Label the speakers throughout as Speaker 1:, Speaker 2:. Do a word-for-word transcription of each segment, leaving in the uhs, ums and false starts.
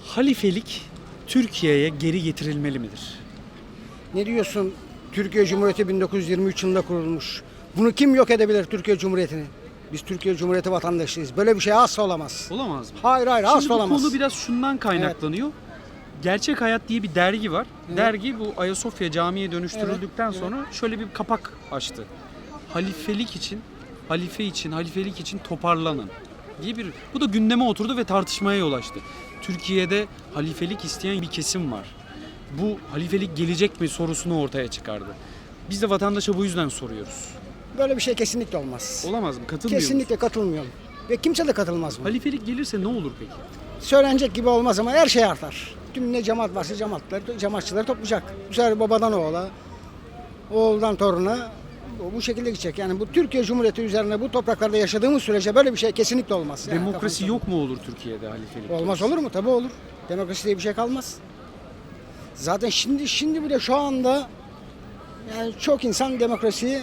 Speaker 1: Halifelik Türkiye'ye geri getirilmeli midir?
Speaker 2: Ne diyorsun? Türkiye Cumhuriyeti bin dokuz yüz yirmi üç yılında kurulmuş. Bunu kim yok edebilir Türkiye Cumhuriyeti'ni? Biz Türkiye Cumhuriyeti vatandaşıyız. Böyle bir şey asla olamaz.
Speaker 1: Olamaz mı?
Speaker 2: Hayır hayır
Speaker 1: Şimdi
Speaker 2: asla
Speaker 1: bu
Speaker 2: olamaz.
Speaker 1: konu biraz şundan kaynaklanıyor. Gerçek Hayat diye bir dergi var.
Speaker 2: Evet.
Speaker 1: Dergi bu Ayasofya Camii'ye dönüştürüldükten
Speaker 2: Evet,
Speaker 1: sonra şöyle bir kapak açtı. Halifelik için, halife için, halifelik için toparlanın diye bir, bu da gündeme oturdu ve tartışmaya yol açtı. Türkiye'de halifelik isteyen bir kesim var. Bu halifelik gelecek mi sorusunu ortaya çıkardı. Biz de vatandaşa bu yüzden soruyoruz.
Speaker 2: Böyle bir şey kesinlikle olmaz.
Speaker 1: Olamaz mı? Katılmıyor musun?
Speaker 2: Kesinlikle katılmıyorum. Ve kimse de katılmaz buna.
Speaker 1: Halifelik gelirse ne olur peki?
Speaker 2: Söylenecek gibi olmaz ama her şey artar. Tüm ne cemaat varsa cemaatler, cemaatçıları toplayacak. Bu sefer babadan oğula, oğuldan toruna bu şekilde gidecek. Yani bu Türkiye Cumhuriyeti üzerine bu topraklarda yaşadığımız sürece böyle bir şey kesinlikle olmaz. Yani
Speaker 1: Demokrasi
Speaker 2: kafamızda-
Speaker 1: yok mu olur Türkiye'de halifelik?
Speaker 2: Olmaz olur mu? Tabii olur. Demokrasi diye bir şey kalmaz. Zaten şimdi şimdi bile şu anda yani çok insan demokrasiyi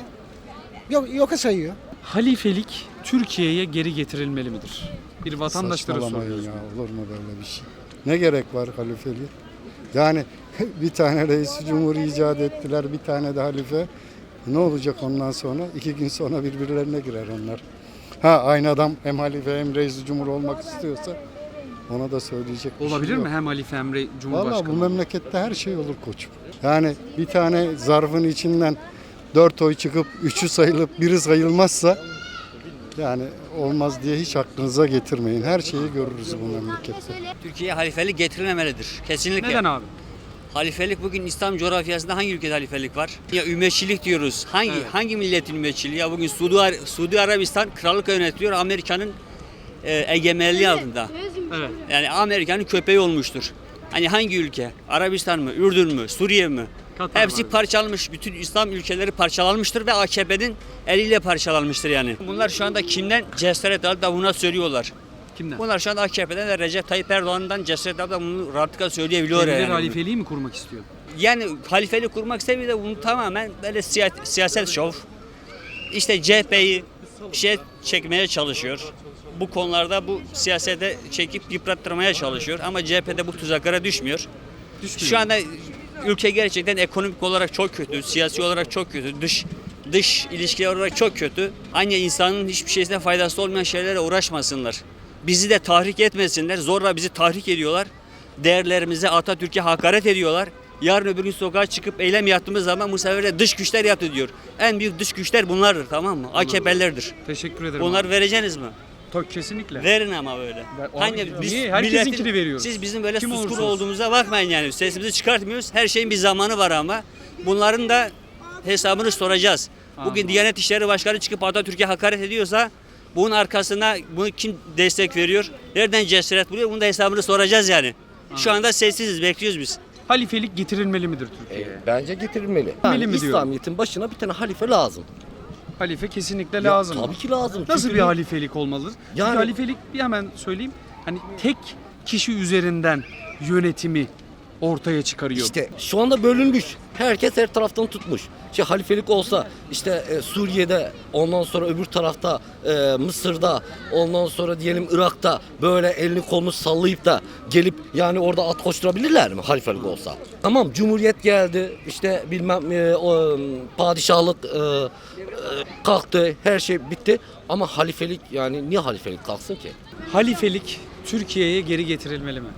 Speaker 2: yok yoka sayıyor.
Speaker 1: Halifelik Türkiye'ye geri getirilmeli midir? Bir vatandaşlara
Speaker 3: Saçmalamayın
Speaker 1: soruyoruz.
Speaker 3: ya, olur mu böyle bir şey? Ne gerek var halifeliğe? Yani bir tane reis cumhur icat ettiler, bir tane de halife. Ne olacak ondan sonra? İki gün sonra birbirlerine girer onlar. Ha, aynı adam hem halife hem reis cumhur olmak istiyorsa ona da söyleyecek bir
Speaker 1: Olabilir
Speaker 3: şey
Speaker 1: mi
Speaker 3: yok.
Speaker 1: hem halife hem re-
Speaker 3: Valla
Speaker 1: cumhurbaşkanı?
Speaker 3: bu memlekette her şey olur koçum. Yani bir tane zarfın içinden dört oy çıkıp üçü sayılıp biri sayılmazsa yani olmaz diye hiç aklınıza getirmeyin. Her şeyi görürüz bu memlekette.
Speaker 4: Türkiye'ye halifelik getirilmemelidir. Kesinlikle.
Speaker 1: Neden abi?
Speaker 4: Halifelik bugün İslam coğrafyasında hangi ülkede halifelik var? Ya ümmetçilik diyoruz. Hangi
Speaker 1: Evet.
Speaker 4: hangi milletin ümmetçiliği? Ya bugün Suudi, Ar- Suudi Arabistan krallık yönetiyor Amerika'nın e, egemenliği altında.
Speaker 1: Evet.
Speaker 4: Yani Amerika'nın köpeği olmuştur. Hani hangi ülke? Arabistan mı? Ürdün mü? Suriye mi?
Speaker 1: Katar
Speaker 4: Hepsi
Speaker 1: var.
Speaker 4: parçalanmış. Bütün İslam ülkeleri parçalanmıştır ve A K P'nin eliyle parçalanmıştır yani. Bunlar şu anda kimden cesaret alıp da buna söylüyorlar.
Speaker 1: Kimden?
Speaker 4: Bunlar şu anda A K P'den de Recep Tayyip Erdoğan'dan cesaret alıp da bunu rahatlıkla söyleyebiliyorlar
Speaker 1: Kendileri
Speaker 4: yani.
Speaker 1: halifeliği mi kurmak istiyor?
Speaker 4: Yani halifeli kurmak istemiyor da bunu tamamen böyle siya- siyaset şov. İşte C H P'yi şey çekmeye çalışıyor. Bu konularda bu siyasete çekip yıprattırmaya çalışıyor. Ama C H P'de bu tuzaklara düşmüyor.
Speaker 1: Düşmüyor.
Speaker 4: Şu anda ülke gerçekten ekonomik olarak çok kötü, siyasi olarak çok kötü, dış dış ilişkiler olarak çok kötü. Aynı insanın hiçbir şeysine faydası olmayan şeylere uğraşmasınlar. Bizi de tahrik etmesinler. Zorla bizi tahrik ediyorlar. Değerlerimize, Atatürk'e hakaret ediyorlar. Yarın öbür gün sokağa çıkıp eylem yaptığımız zaman bu sefer de dış güçler yaptı diyor. En büyük dış güçler bunlardır, tamam mı? A K P'lerdir.
Speaker 1: Teşekkür ederim.
Speaker 4: Bunları
Speaker 1: abi.
Speaker 4: vereceğiniz mi?
Speaker 1: Tabii kesinlikle.
Speaker 4: Verin ama böyle.
Speaker 1: Ver- Abi,
Speaker 4: Hani
Speaker 1: niye? Herkesinkini
Speaker 4: milletin-
Speaker 1: veriyoruz.
Speaker 4: Siz bizim böyle
Speaker 1: Kim
Speaker 4: suskun
Speaker 1: olursa olsun.
Speaker 4: olduğumuza bakmayın yani. Sesimizi çıkartmıyoruz. Her şeyin bir zamanı var ama. Bunların da hesabını soracağız. Bugün
Speaker 1: Anladım.
Speaker 4: Diyanet İşleri Başkanı çıkıp Atatürk'e hakaret ediyorsa bunun arkasına bunu kim destek veriyor? Nereden cesaret buluyor? Bunun da hesabını soracağız yani. Şu anda sessiziz, bekliyoruz biz.
Speaker 1: Halifelik getirilmeli midir Türkiye'ye?
Speaker 5: E, bence getirilmeli.
Speaker 1: Getirilmeli
Speaker 5: Yani
Speaker 1: mi diyor?
Speaker 5: İslamiyet'in başına bir tane halife lazım.
Speaker 1: Halife kesinlikle
Speaker 5: Ya,
Speaker 1: lazım.
Speaker 5: tabii ki lazım.
Speaker 1: Nasıl
Speaker 5: Çünkü
Speaker 1: bir
Speaker 5: bu-
Speaker 1: halifelik olmalıdır? Çünkü
Speaker 5: Yani-
Speaker 1: halifelik bir hemen söyleyeyim. Hani tek kişi üzerinden yönetimi ortaya çıkarıyor.
Speaker 5: İşte şu anda bölünmüş. Herkes her taraftan tutmuş. İşte halifelik olsa işte e, Suriye'de, ondan sonra öbür tarafta e, Mısır'da, ondan sonra diyelim Irak'ta böyle elini kolunu sallayıp da gelip yani orada at koşturabilirler mi halifelik olsa? Tamam, cumhuriyet geldi, işte bilmem e, o, padişahlık e, e, kalktı, her şey bitti ama halifelik, yani niye halifelik kalksın ki?
Speaker 1: Halifelik Türkiye'ye geri getirilmeli mi?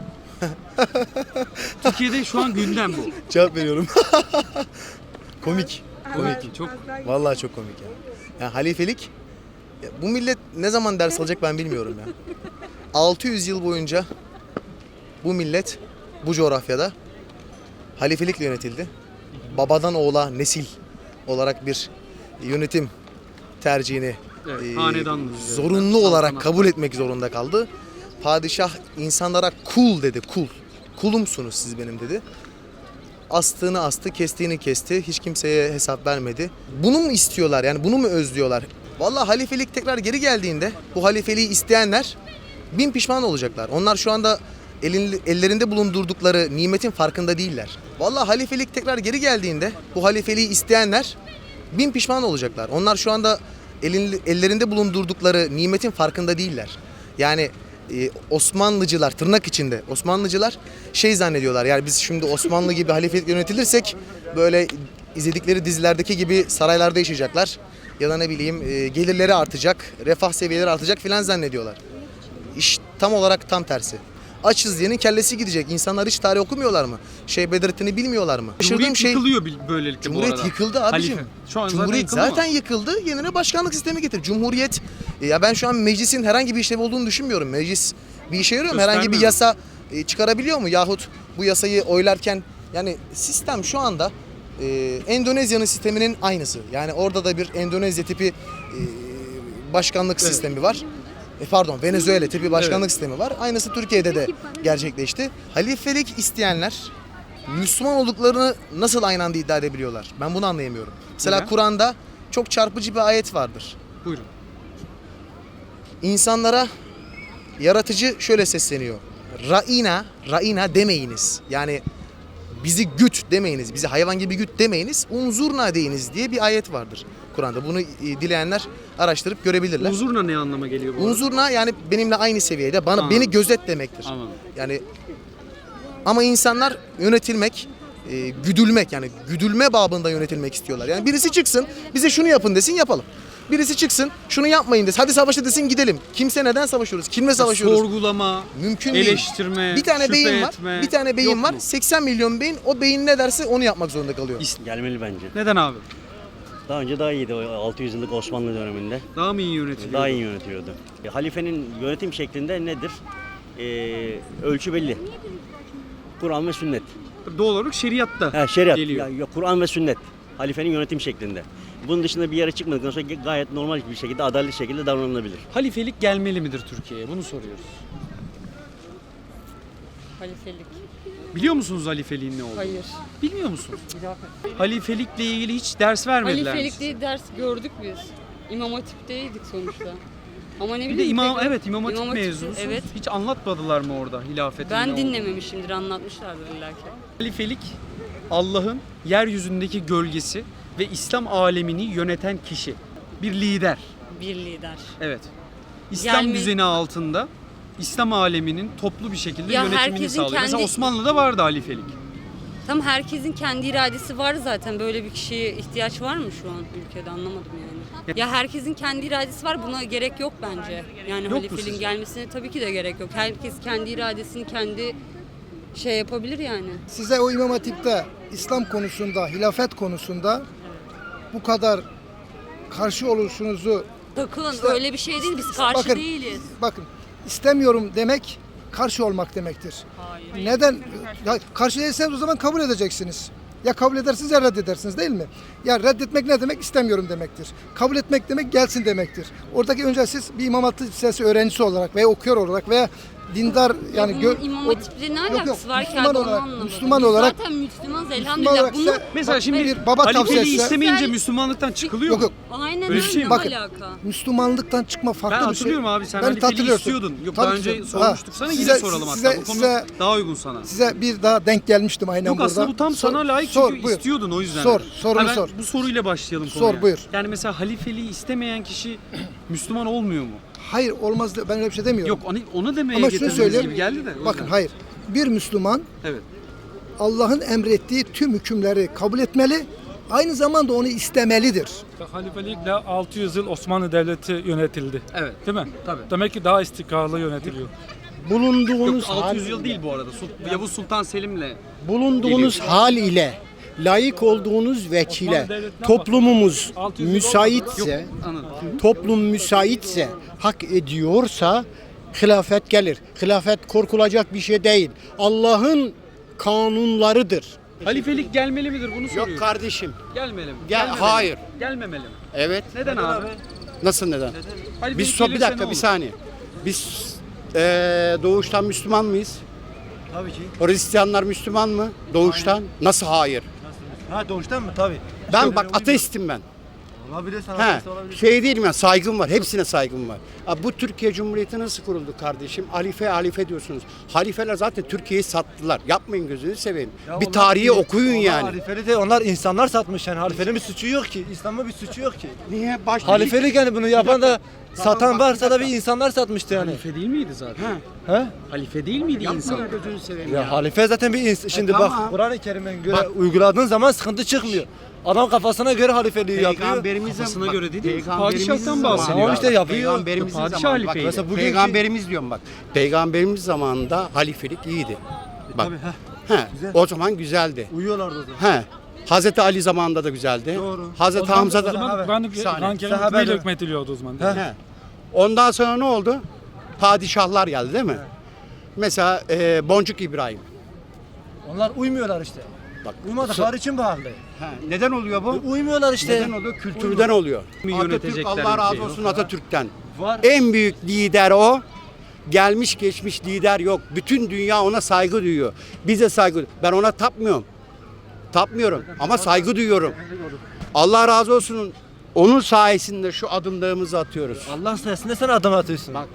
Speaker 1: Türkiye'de şu an gündem bu.
Speaker 6: Cevap veriyorum. Komik.
Speaker 1: Komik. Çok
Speaker 6: Vallahi çok komik ya. Yani halifelik, ya bu millet ne zaman ders alacak ben bilmiyorum ya. altı yüz yıl boyunca bu millet bu coğrafyada halifelikle yönetildi. Babadan oğula nesil olarak bir yönetim tercihini
Speaker 1: Evet,
Speaker 6: e,
Speaker 1: hanedanlık üzerinden,
Speaker 6: zorunlu olarak
Speaker 1: saltanat.
Speaker 6: kabul etmek zorunda kaldı. Padişah insanlara kul dedi, kul. Kulumsunuz siz benim dedi. Astığını astı, kestiğini kesti. Hiç kimseye hesap vermedi. Bunu mu istiyorlar? Yani bunu mu özlüyorlar? Vallahi halifelik tekrar geri geldiğinde bu halifeliği isteyenler bin pişman olacaklar. Onlar şu anda elin, ellerinde bulundurdukları nimetin farkında değiller. Vallahi halifelik tekrar geri geldiğinde bu halifeliği isteyenler bin pişman olacaklar. Onlar şu anda elin, ellerinde bulundurdukları nimetin farkında değiller. Yani e, Osmanlıcılar, tırnak içinde Osmanlıcılar şey zannediyorlar. Yani biz şimdi Osmanlı gibi halifelik yönetilirsek böyle izledikleri dizilerdeki gibi saraylarda yaşayacaklar. Ya da ne bileyim e, gelirleri artacak, refah seviyeleri artacak filan zannediyorlar. İş tam olarak tam tersi. Açız diyenin kellesi gidecek. İnsanlar hiç tarih okumuyorlar mı? Şey Bedrettin'i bilmiyorlar mı?
Speaker 1: Cumhuriyet
Speaker 6: Şaşırdığım şey,
Speaker 1: yıkılıyor bil- böylelikle
Speaker 6: Cumhuriyet
Speaker 1: bu arada.
Speaker 6: yıkıldı abicim.
Speaker 1: Halife. Şu an
Speaker 6: Cumhuriyet
Speaker 1: zaten,
Speaker 6: zaten
Speaker 1: yıkıldı
Speaker 6: yıkıldı. Yerine başkanlık sistemi getir. Cumhuriyet e, ya ben şu an meclisin herhangi bir işlevi olduğunu düşünmüyorum. Meclis bir işe yarıyor mu? Herhangi bir
Speaker 1: Göstermiyor.
Speaker 6: yasa e, çıkarabiliyor mu? Yahut bu yasayı oylarken yani sistem şu anda e, Endonezya'nın sisteminin aynısı. Yani orada da bir Endonezya tipi e, başkanlık
Speaker 1: Evet.
Speaker 6: sistemi var. E, pardon Venezuela tipi başkanlık
Speaker 1: Evet.
Speaker 6: sistemi var. Aynısı Türkiye'de de gerçekleşti. Halifelik isteyenler Müslüman olduklarını nasıl aynı anda iddia edebiliyorlar? Ben bunu anlayamıyorum. Mesela
Speaker 1: Neden?
Speaker 6: Kur'an'da çok çarpıcı bir ayet vardır.
Speaker 1: Buyurun.
Speaker 6: İnsanlara yaratıcı şöyle sesleniyor. Ra'ina, ra'ina demeyiniz. Yani bizi güt demeyiniz, bizi hayvan gibi güt demeyiniz, unzurna deyiniz diye bir ayet vardır Kur'an'da. Bunu e, dileyenler araştırıp görebilirler.
Speaker 1: Unzurna ne anlama geliyor bu arada?
Speaker 6: Unzurna yani benimle aynı seviyede, bana
Speaker 1: Anladım.
Speaker 6: beni gözet demektir.
Speaker 1: Anladım.
Speaker 6: Yani ama insanlar yönetilmek, e, güdülmek yani güdülme babında yönetilmek istiyorlar. Yani birisi çıksın, bize şunu yapın desin yapalım. Birisi çıksın, şunu yapmayın desin. Hadi savaşa desin gidelim. Kimse neden savaşıyoruz? Kimle savaşıyoruz?
Speaker 1: Sorgulama,
Speaker 6: Mümkün değil.
Speaker 1: eleştirme,
Speaker 6: Bir tane
Speaker 1: şüphe
Speaker 6: beyin var.
Speaker 1: etme.
Speaker 6: Bir tane beyin
Speaker 1: Yok
Speaker 6: var.
Speaker 1: mu?
Speaker 6: seksen milyon beyin. O beyin ne derse onu yapmak zorunda kalıyor.
Speaker 1: İst-
Speaker 7: Gelmeli bence.
Speaker 1: Neden abi?
Speaker 7: Daha önce daha iyiydi o altı yüz yıllık Osmanlı döneminde.
Speaker 1: Daha mı iyi yönetiliyor?
Speaker 7: Daha iyi yönetiyordu. E, halifenin yönetim şeklinde nedir? E, ölçü belli. Kur'an ve sünnet.
Speaker 1: Doğal olarak şeriatta
Speaker 7: Ha, şeriat.
Speaker 1: geliyor.
Speaker 7: Ya, ya, Kur'an ve sünnet. Halifenin yönetim şeklinde. Bunun dışında bir yere çıkmadıktan sonra gayet normal bir şekilde, adaletli şekilde davranılabilir.
Speaker 1: Halifelik gelmeli midir Türkiye'ye? Bunu soruyoruz.
Speaker 8: Halifelik.
Speaker 1: Biliyor musunuz halifeliğin ne olduğunu?
Speaker 8: Hayır.
Speaker 1: Bilmiyor musunuz? Halifelikle ilgili hiç ders vermediler mi
Speaker 8: Halifelik
Speaker 1: size?
Speaker 8: diye ders gördük biz. İmam Hatip'teydik sonuçta. Ama ne
Speaker 1: Bir de
Speaker 8: bileyim.
Speaker 1: imam,
Speaker 8: tekrar-
Speaker 1: evet imam hatip
Speaker 8: İmam Hatip-
Speaker 1: mezunusunuz.
Speaker 8: Evet.
Speaker 1: Hiç anlatmadılar mı orada hilafetin ne
Speaker 8: Ben
Speaker 1: olduğunu?
Speaker 8: dinlememişimdir, anlatmışlardır illa ki.
Speaker 1: Halifelik Allah'ın yeryüzündeki gölgesi ve İslam alemini yöneten kişi. Bir lider.
Speaker 8: Bir lider.
Speaker 1: Evet. İslam
Speaker 8: Gelme-
Speaker 1: düzeni altında İslam aleminin toplu bir şekilde
Speaker 8: Ya
Speaker 1: yönetimini
Speaker 8: herkesin
Speaker 1: sağlıyor. Mesela
Speaker 8: kendi-
Speaker 1: Osmanlı'da vardı halifelik.
Speaker 8: Tam herkesin kendi iradesi var zaten. Böyle bir kişiye ihtiyaç var mı şu an ülkede, anlamadım yani. Ya herkesin kendi iradesi var, buna gerek yok bence. Yani
Speaker 1: mu
Speaker 8: halifeliğin
Speaker 1: sizce?
Speaker 8: gelmesine tabii ki de gerek yok. Herkes kendi iradesini kendi şey yapabilir yani.
Speaker 9: Size o İmam Hatip'te İslam konusunda, hilafet konusunda bu kadar karşı oluşunuzu
Speaker 8: Takılın
Speaker 9: İşte-
Speaker 8: öyle bir şey değil, biz karşı
Speaker 9: bakın,
Speaker 8: değiliz.
Speaker 9: bakın istemiyorum demek karşı olmak demektir.
Speaker 8: Hayır.
Speaker 9: Neden? Ya, karşı değilseniz o zaman kabul edeceksiniz. Ya kabul edersiniz ya reddedersiniz değil mi? Ya reddetmek ne demek? İstemiyorum demektir. Kabul etmek demek gelsin demektir. Oradaki önce siz bir İmam Hatip Lisesi öğrencisi olarak veya okuyor olarak veya dindar yani
Speaker 8: bunun
Speaker 9: gö-
Speaker 8: İmam
Speaker 9: o-
Speaker 8: Hatip'le ne
Speaker 9: Yok, yok,
Speaker 8: alakası var ki
Speaker 9: Müslüman
Speaker 8: abi, onu
Speaker 9: olarak-
Speaker 8: anlamadım.
Speaker 9: Müslüman
Speaker 8: Biz
Speaker 9: olarak-
Speaker 8: zaten Müslümanız
Speaker 9: Müslüman
Speaker 8: elhamdülillah.
Speaker 9: olarak
Speaker 8: Bunu
Speaker 9: sen-
Speaker 1: Mesela
Speaker 9: bak,
Speaker 1: şimdi
Speaker 9: bir baba
Speaker 1: halifeliği
Speaker 9: tavsiyesi.
Speaker 1: istemeyince
Speaker 8: Sen-
Speaker 1: Müslümanlıktan çıkılıyor
Speaker 9: Yok
Speaker 1: mu?
Speaker 9: yok.
Speaker 8: aynen
Speaker 1: Öyle
Speaker 8: öyle,
Speaker 1: bir şey mi?
Speaker 8: ne
Speaker 9: Bakın,
Speaker 8: alaka?
Speaker 9: Müslümanlıktan çıkma farklı
Speaker 1: Ben
Speaker 9: bir şey.
Speaker 1: hatırlıyorum abi sen
Speaker 9: Ben
Speaker 1: halifeliği
Speaker 9: hatırlıyorsun.
Speaker 1: istiyordun. Yok
Speaker 9: Tabii
Speaker 1: daha
Speaker 9: ki.
Speaker 1: önce
Speaker 9: Ha,
Speaker 1: sormuştuk sana
Speaker 9: size-
Speaker 1: yine soralım hatta.
Speaker 9: size-
Speaker 1: Bu konu
Speaker 9: size-
Speaker 1: daha uygun sana.
Speaker 9: Size bir daha denk gelmiştim aynen
Speaker 1: Yok
Speaker 9: burada.
Speaker 1: aslında bu tam
Speaker 9: Sor-
Speaker 1: sana layık
Speaker 9: sor,
Speaker 1: çünkü
Speaker 9: buyur.
Speaker 1: istiyordun o yüzden.
Speaker 9: Sor,
Speaker 1: dedim.
Speaker 9: sorunu
Speaker 1: Hemen
Speaker 9: sor.
Speaker 1: Bu soruyla başlayalım
Speaker 9: Sor,
Speaker 1: konuya.
Speaker 9: buyur.
Speaker 1: Yani mesela halifeliği istemeyen kişi Müslüman olmuyor mu?
Speaker 9: Hayır olmaz de- ben öyle bir şey demiyorum.
Speaker 1: Yok onu, onu demeye
Speaker 9: Ama şunu
Speaker 1: getirdiğiniz
Speaker 9: söyleyeyim.
Speaker 1: gibi geldi de. o
Speaker 9: Bakın
Speaker 1: yüzden.
Speaker 9: hayır. Bir Müslüman
Speaker 1: Evet.
Speaker 9: Allah'ın emrettiği tüm hükümleri kabul etmeli. Aynı zamanda onu istemelidir.
Speaker 10: Halifelikle altı yüz yıl Osmanlı Devleti yönetildi.
Speaker 1: Evet.
Speaker 10: Değil mi?
Speaker 1: Tabii.
Speaker 10: Demek ki daha istikrarlı yönetiliyor.
Speaker 11: Bulunduğunuz
Speaker 1: Yok altı yüz
Speaker 11: hal,
Speaker 1: yıl değil bu arada. Sul- Yavuz Sultan Selim'le
Speaker 11: bulunduğunuz
Speaker 1: geliyor.
Speaker 11: hal ile layık olduğunuz vekile
Speaker 10: Osmanlı Devleti'nden
Speaker 11: toplumumuz
Speaker 10: altı yüz yıl
Speaker 11: müsaitse,
Speaker 1: anladım.
Speaker 11: toplum müsaitse, hak ediyorsa hilafet gelir. Hilafet korkulacak bir şey değil. Allah'ın kanunlarıdır.
Speaker 1: Halifelik gelmeli midir bunu soruyorum.
Speaker 11: Yok kardeşim.
Speaker 1: Gelmeli mi?
Speaker 11: Gel,
Speaker 1: Gelmemeli mi?
Speaker 11: hayır.
Speaker 1: Gelmemeli mi?
Speaker 11: Evet.
Speaker 1: Neden, abi?
Speaker 11: Nasıl neden?
Speaker 1: Halifelik
Speaker 11: Biz so bir
Speaker 1: gelirse ne
Speaker 11: dakika bir
Speaker 1: olur?
Speaker 11: saniye. Biz eee, doğuştan Müslüman mıyız?
Speaker 12: Tabii ki.
Speaker 11: Hristiyanlar Müslüman mı? Doğuştan. Nasıl hayır?
Speaker 12: Ha doğuştan mı? Tabii.
Speaker 11: Ben bak ateistim ben. He, şey değilim ya, saygım var. Hepsine saygım var. Abi bu Türkiye Cumhuriyeti nasıl kuruldu kardeşim? Halife halife diyorsunuz. Halifeler zaten Türkiye'yi sattılar. Yapmayın, gözünü seveyim. Bir tarihi okuyun yani.
Speaker 12: Halifeli de onlar insanlar satmış yani. Halifenin bir suçu yok ki. İslam'ın bir suçu yok ki.
Speaker 11: Niye? Baş
Speaker 12: Halifelik yani bunu yapan da satan varsa da bir insanlar satmıştı yani.
Speaker 1: Halife değil miydi zaten?
Speaker 12: He?
Speaker 1: Halife değil miydi insan?
Speaker 11: Yapmayın, gözünü seveyim
Speaker 12: Ya
Speaker 11: ya.
Speaker 12: halife zaten bir insan. Şimdi bak
Speaker 11: tamam.
Speaker 12: Kur'an-ı Kerim'e göre
Speaker 11: Bak.
Speaker 12: uyguladığın zaman sıkıntı çıkmıyor. Adam kafasına göre halifeliği yapıyor.
Speaker 11: Peygamberimiz
Speaker 1: Kafasına
Speaker 11: bak,
Speaker 1: göre değil mi?
Speaker 11: peygamberimiz
Speaker 1: Padişahtan
Speaker 11: zamanı-
Speaker 1: bahsediyor.
Speaker 12: Tamam işte yapıyor.
Speaker 11: Peygamberimizin
Speaker 1: Padişah
Speaker 11: zamanı. Bak,
Speaker 1: halifeydi.
Speaker 11: mesela
Speaker 12: Bugünkü-
Speaker 11: Peygamberimiz diyorum bak. Peygamberimiz zamanında halifelik iyiydi. Bak.
Speaker 12: Tabii, heh.
Speaker 11: He, o zaman güzeldi.
Speaker 12: Uyuyorlardı o zaman.
Speaker 11: He. Hazreti Ali zamanında da güzeldi.
Speaker 12: Doğru.
Speaker 11: Hazreti
Speaker 10: O zaman-
Speaker 11: Hamza
Speaker 10: o
Speaker 11: da.
Speaker 10: zaman
Speaker 12: Sahabe.
Speaker 10: Kur'an-ı
Speaker 11: Bir saniye.
Speaker 10: Kur'an-ı Kerim
Speaker 12: Sahabe
Speaker 10: hükmüyle
Speaker 12: de-
Speaker 10: hükmetiliyordu o zaman. değil mi?
Speaker 11: He. Ondan sonra ne oldu? Padişahlar geldi değil mi? Mesela e, Boncuk İbrahim.
Speaker 12: Onlar uymuyorlar işte.
Speaker 11: Bak.
Speaker 12: Uymadıkları için bu halde.
Speaker 11: He, neden oluyor bu?
Speaker 12: Uymuyorlar işte.
Speaker 11: Neden oluyor? Kültürden oluyor.
Speaker 1: Mi
Speaker 11: Atatürk,
Speaker 1: yönetecekler
Speaker 11: Allah razı
Speaker 1: ülkeyi?
Speaker 11: olsun Atatürk'ten.
Speaker 12: Var.
Speaker 11: En büyük lider o. Gelmiş geçmiş lider yok. Bütün dünya ona saygı duyuyor. Bize saygı. Ben ona tapmıyorum. Tapmıyorum ama saygı duyuyorum. Allah razı olsun. Onun sayesinde şu adımlarımızı atıyoruz.
Speaker 12: Allah sayesinde sen adım atıyorsun.
Speaker 11: Bak.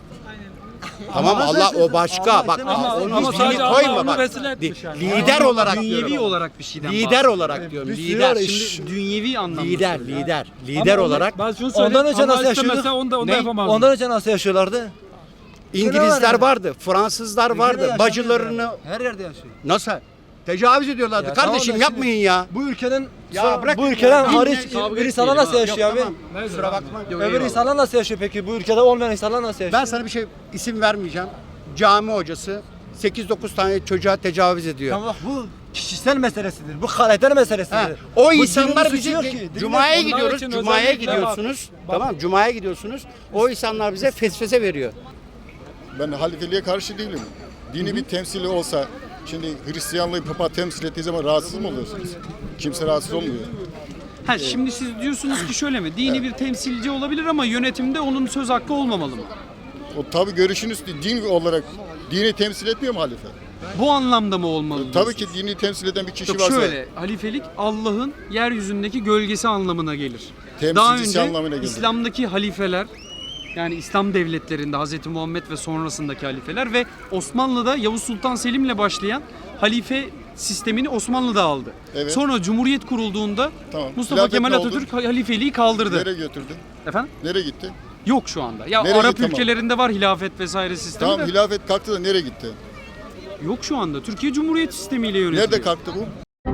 Speaker 11: Tamam
Speaker 12: Allah
Speaker 11: Allah o
Speaker 12: sayesinde-
Speaker 11: başka.
Speaker 12: Allah
Speaker 11: Bak
Speaker 12: istemez.
Speaker 10: Ama-
Speaker 11: onun
Speaker 10: ama
Speaker 11: dini
Speaker 10: sadece Allah
Speaker 11: koyma
Speaker 10: onu
Speaker 11: bak.
Speaker 10: vesile etmiş
Speaker 11: Li-
Speaker 10: yani.
Speaker 11: Lider olarak
Speaker 1: Dünyevi
Speaker 11: diyorum.
Speaker 1: olarak bir şeyden
Speaker 11: Lider
Speaker 1: bahsediyor.
Speaker 11: olarak diyorum.
Speaker 12: bir sürü
Speaker 11: Lider.
Speaker 12: var,
Speaker 11: Şimdi
Speaker 1: Şimdi dünyevi anlamda.
Speaker 11: lider,
Speaker 1: söylüyor.
Speaker 11: lider. Lider
Speaker 10: Ama
Speaker 11: olarak
Speaker 10: Ben şunu söyleyeyim.
Speaker 12: Ondan önce
Speaker 10: Allah
Speaker 12: nasıl
Speaker 10: istemese
Speaker 12: yaşıyorduk?
Speaker 10: Onu da, onu da
Speaker 11: Ne?
Speaker 10: yapamazdı.
Speaker 12: Ondan önce nasıl yaşıyorlardı?
Speaker 11: İngilizler
Speaker 12: var.
Speaker 11: vardı, Fransızlar vardı.
Speaker 12: Ülkede
Speaker 11: Bacılarını
Speaker 12: yaşamıyor yani. her yerde yaşıyor.
Speaker 11: nasıl tecavüz ediyorlardı.
Speaker 12: Ya
Speaker 11: Kardeşim
Speaker 12: tamam da
Speaker 11: yapmayın ya.
Speaker 12: Bu ülkenin
Speaker 11: Ya
Speaker 12: sonra-
Speaker 11: bırak
Speaker 12: bu ülkeden
Speaker 11: ya.
Speaker 12: hariç
Speaker 11: Dinle, kavga
Speaker 12: bir insanlar
Speaker 1: etmeyelim
Speaker 12: nasıl
Speaker 1: ha.
Speaker 12: yaşıyor abi?
Speaker 11: Tamam. Kusura bakma.
Speaker 12: Öbür insanlar nasıl yaşıyor peki? Bu ülkede olmayan insanlar nasıl yaşıyor?
Speaker 11: Ben sana bir şey isim vermeyeceğim. Cami hocası sekiz dokuz tane çocuğa tecavüz ediyor.
Speaker 12: Tamam bu kişisel meselesidir. Bu karakter meselesidir.
Speaker 11: Ha, o
Speaker 12: Bu
Speaker 11: insanlar
Speaker 12: dinin
Speaker 11: bizi
Speaker 12: suçu yok ki. Dinin-
Speaker 11: Cuma'ya
Speaker 10: Onlar
Speaker 11: gidiyoruz.
Speaker 10: için
Speaker 11: Cuma'ya
Speaker 10: özellikle
Speaker 11: gidiyorsunuz.
Speaker 10: bak-
Speaker 11: Tamam, Cuma'ya gidiyorsunuz. O insanlar bize fesfese veriyor.
Speaker 13: Ben halifeliğe karşı değilim. Dini bir temsili olsa, şimdi Hristiyanlığı Papa temsil ettiği zaman rahatsız mı oluyorsunuz? Kimse rahatsız olmuyor.
Speaker 1: Ha, şimdi siz diyorsunuz ki şöyle mi? Dini bir temsilci olabilir ama yönetimde onun söz hakkı olmamalı mı?
Speaker 13: O tabii görüşünüz din olarak dini temsil etmiyor mu halife?
Speaker 1: Bu anlamda mı olmalı?
Speaker 13: Tabii ki
Speaker 1: diyorsunuz?
Speaker 13: dini temsil eden bir kişi
Speaker 1: Yok
Speaker 13: varsa
Speaker 1: şöyle, halifelik Allah'ın yeryüzündeki gölgesi anlamına gelir.
Speaker 13: Temsilcisi
Speaker 1: Daha önce
Speaker 13: anlamına gelir.
Speaker 1: İslam'daki halifeler, yani İslam devletlerinde Hz. Muhammed ve sonrasındaki halifeler ve Osmanlı'da Yavuz Sultan Selim'le başlayan halife sistemini Osmanlı da aldı.
Speaker 13: Evet.
Speaker 1: Sonra Cumhuriyet kurulduğunda
Speaker 13: Tamam.
Speaker 1: Mustafa
Speaker 13: Hilafet
Speaker 1: Kemal
Speaker 13: ne oldu?
Speaker 1: Atatürk halifeliği kaldırdı.
Speaker 13: nereye götürdü?
Speaker 1: Efendim?
Speaker 13: Nereye gitti?
Speaker 1: Yok şu anda. Ya
Speaker 13: Nereye
Speaker 1: Arap
Speaker 13: gitti ama?
Speaker 1: ülkelerinde var hilafet vesaire sistemi
Speaker 13: Tamam
Speaker 1: de.
Speaker 13: hilafet kalktı da nereye gitti?
Speaker 1: Yok şu anda. Türkiye Cumhuriyet sistemiyle yönetiliyor.
Speaker 13: Nerede kalktı bu?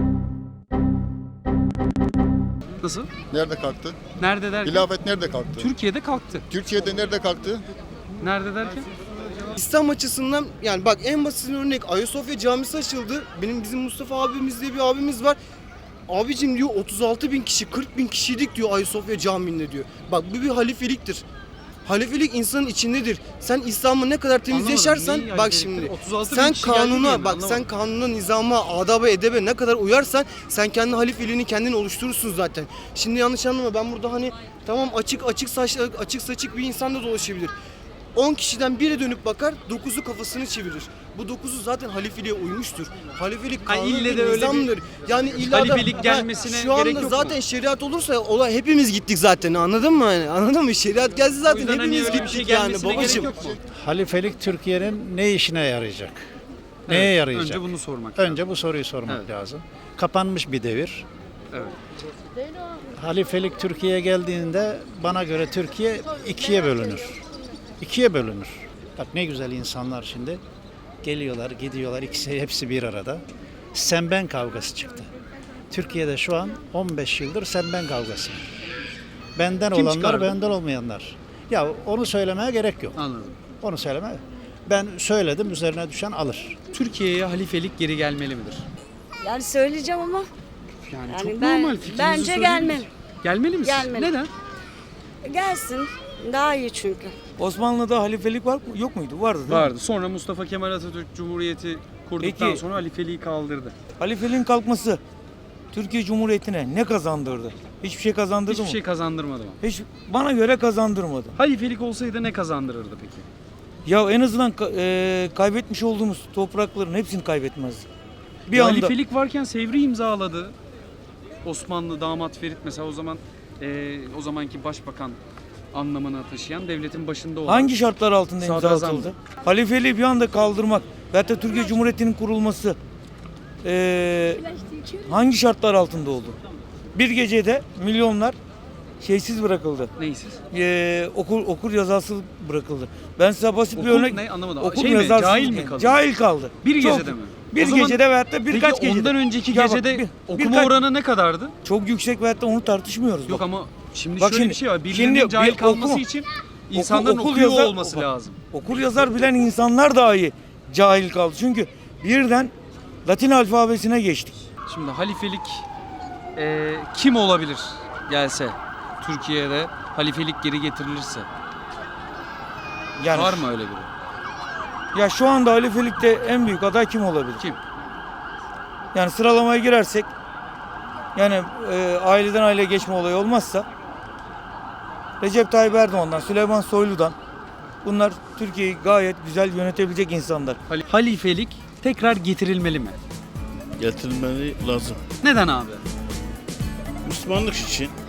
Speaker 1: Nasıl?
Speaker 13: Nerede kalktı?
Speaker 1: Nerede derken?
Speaker 13: Hilafet nerede kalktı?
Speaker 1: Türkiye'de kalktı.
Speaker 13: Türkiye'de nerede kalktı?
Speaker 1: Nerede derken?
Speaker 14: İslam açısından yani bak en basit örnek Ayasofya Camisi açıldı. Benim bizim Mustafa abimiz diye bir abimiz var. Abicim diyor otuz altı bin kişi kırk bin kişiydik diyor Ayasofya Camii'nde diyor. Bak bu bir halifeliktir. Halifelik insanın içindedir. Sen İslam'ı ne kadar temiz
Speaker 1: Anlamadım,
Speaker 14: yaşarsan
Speaker 1: neyi
Speaker 14: bak
Speaker 1: halifeliktir?
Speaker 14: şimdi
Speaker 1: otuz altı bin
Speaker 14: sen
Speaker 1: kişi geldi diye
Speaker 14: kanuna
Speaker 1: mi?
Speaker 14: bak
Speaker 1: Anlamadım.
Speaker 14: sen kanuna, nizama, adaba, edebe ne kadar uyarsan sen kendi halifeliğini kendin oluşturursun zaten. Şimdi yanlış anlama ben burada hani tamam açık açık saçlı açık saçık bir insan da dolaşabilir. on kişiden biri dönüp bakar, dokuzu kafasını çevirir. Bu dokuzu zaten halifeliğe uymuştur. Halifelik
Speaker 1: Ha,
Speaker 14: kanundur,
Speaker 1: ille de öyle bir
Speaker 14: nizamdır. Yani illa da-
Speaker 1: halifelik
Speaker 14: Ha,
Speaker 1: gelmesine
Speaker 14: şu anda
Speaker 1: gerek yok mu?
Speaker 14: zaten şeriat olursa olay hepimiz gittik zaten anladın mı? Yani, anladın mı? Şeriat gelse
Speaker 1: O
Speaker 14: zaten
Speaker 1: yüzden hani
Speaker 14: hepimiz
Speaker 1: öyle bir
Speaker 14: gittik
Speaker 1: şey
Speaker 14: yani
Speaker 1: gelmesine gerek
Speaker 14: babacığım.
Speaker 1: yok mu?
Speaker 15: Halifelik Türkiye'nin ne işine yarayacak?
Speaker 1: Evet,
Speaker 15: Neye yarayacak?
Speaker 1: Önce bunu sormak.
Speaker 15: Önce bu soruyu sormak
Speaker 1: Evet.
Speaker 15: lazım. Kapanmış bir devir.
Speaker 1: Evet.
Speaker 15: Halifelik Türkiye'ye geldiğinde bana göre Türkiye ikiye bölünür. İkiye bölünür. Bak ne güzel insanlar şimdi. Geliyorlar, gidiyorlar, ikisi hepsi bir arada. Sen ben kavgası çıktı. Türkiye'de şu an on beş yıldır sen ben kavgası. Benden
Speaker 1: Kim
Speaker 15: olanlar,
Speaker 1: çıkardı?
Speaker 15: benden olmayanlar. Ya onu söylemeye gerek yok.
Speaker 1: Anladım.
Speaker 15: Onu söyleme. Ben söyledim, üzerine düşen alır.
Speaker 1: Türkiye'ye halifelik geri gelmeli midir?
Speaker 16: Yani söyleyeceğim ama
Speaker 1: Yani,
Speaker 16: Yani
Speaker 1: çok
Speaker 16: ben-
Speaker 1: normal fikrinizi
Speaker 16: bence
Speaker 1: söyleyin.
Speaker 16: gelmeli.
Speaker 1: Gelmeli mi?
Speaker 16: Gelmeli.
Speaker 1: Neden?
Speaker 16: gelsin daha iyi çünkü.
Speaker 12: Osmanlı'da halifelik var mı? Yok muydu? Vardı değil mi?
Speaker 1: Vardı. Sonra Mustafa Kemal Atatürk Cumhuriyeti kurduktan
Speaker 12: Peki.
Speaker 1: sonra halifeliği kaldırdı.
Speaker 12: Halifeliğin kalkması Türkiye Cumhuriyeti'ne ne kazandırdı? Hiçbir şey kazandırdı
Speaker 1: Hiçbir
Speaker 12: mı?
Speaker 1: şey kazandırmadı mı?
Speaker 12: Hiç bana göre kazandırmadı.
Speaker 1: Halifelik olsaydı ne kazandırırdı peki?
Speaker 12: Ya en azından ka- e, kaybetmiş olduğumuz toprakların hepsini kaybetmezdi. Bir
Speaker 1: Ya
Speaker 12: anda
Speaker 1: halifelik varken Sevri imzaladı. Osmanlı damat Ferit mesela o zaman e, o zamanki başbakan anlamına taşıyan devletin başında olan.
Speaker 12: Hangi şartlar altında imza
Speaker 1: Sadrazam.
Speaker 12: atıldı? Halifeliği bir anda kaldırmak ve hatta Türkiye Cumhuriyeti'nin kurulması ee, hangi şartlar altında oldu? Bir gecede milyonlar şeysiz bırakıldı.
Speaker 1: Neysiz?
Speaker 12: Ee, okur okur yazarsı bırakıldı. Ben size basit bir
Speaker 1: Okul
Speaker 12: örnek.
Speaker 1: ne? Anlamadım.
Speaker 12: Okur
Speaker 1: Şey mi?
Speaker 12: yazarsız-
Speaker 1: Cahil mi kaldı?
Speaker 12: Cahil kaldı.
Speaker 1: Bir
Speaker 12: Çok-
Speaker 1: gecede mi?
Speaker 12: Bir
Speaker 1: O zaman-
Speaker 12: gecede veyahut da birkaç
Speaker 1: Peki
Speaker 12: gecede.
Speaker 1: ondan önceki
Speaker 12: Ya bak,
Speaker 1: gecede
Speaker 12: bir-
Speaker 1: okuma
Speaker 12: birkaç-
Speaker 1: oranı ne kadardı?
Speaker 12: Çok yüksek veyahut da onu tartışmıyoruz.
Speaker 1: Yok
Speaker 12: bak.
Speaker 1: ama şimdi
Speaker 12: Bak
Speaker 1: şöyle
Speaker 12: şimdi-
Speaker 1: bir şey var. Birilerinin
Speaker 12: şimdi
Speaker 1: cahil
Speaker 12: bir
Speaker 1: kalması
Speaker 12: oku-
Speaker 1: için insanların
Speaker 12: okul
Speaker 1: okuyor
Speaker 12: yazar-
Speaker 1: olması
Speaker 12: bak,
Speaker 1: lazım.
Speaker 12: Okur yazar bilen insanlar dahi cahil kaldı. Çünkü birden Latin alfabesine geçtik.
Speaker 1: Şimdi halifelik e, kim olabilir gelse Türkiye'de halifelik geri getirilirse?
Speaker 12: Yani
Speaker 1: Var mı öyle biri?
Speaker 12: Ya şu anda halifelikte en büyük aday kim olabilir?
Speaker 1: Kim?
Speaker 12: Yani sıralamaya girersek yani e, aileden aileye geçme olayı olmazsa Recep Tayyip Erdoğan'dan, Süleyman Soylu'dan bunlar Türkiye'yi gayet güzel yönetebilecek insanlar.
Speaker 1: Hal- Halifelik tekrar getirilmeli mi?
Speaker 17: Getirilmeli lazım.
Speaker 1: Neden abi?
Speaker 17: Müslümanlık için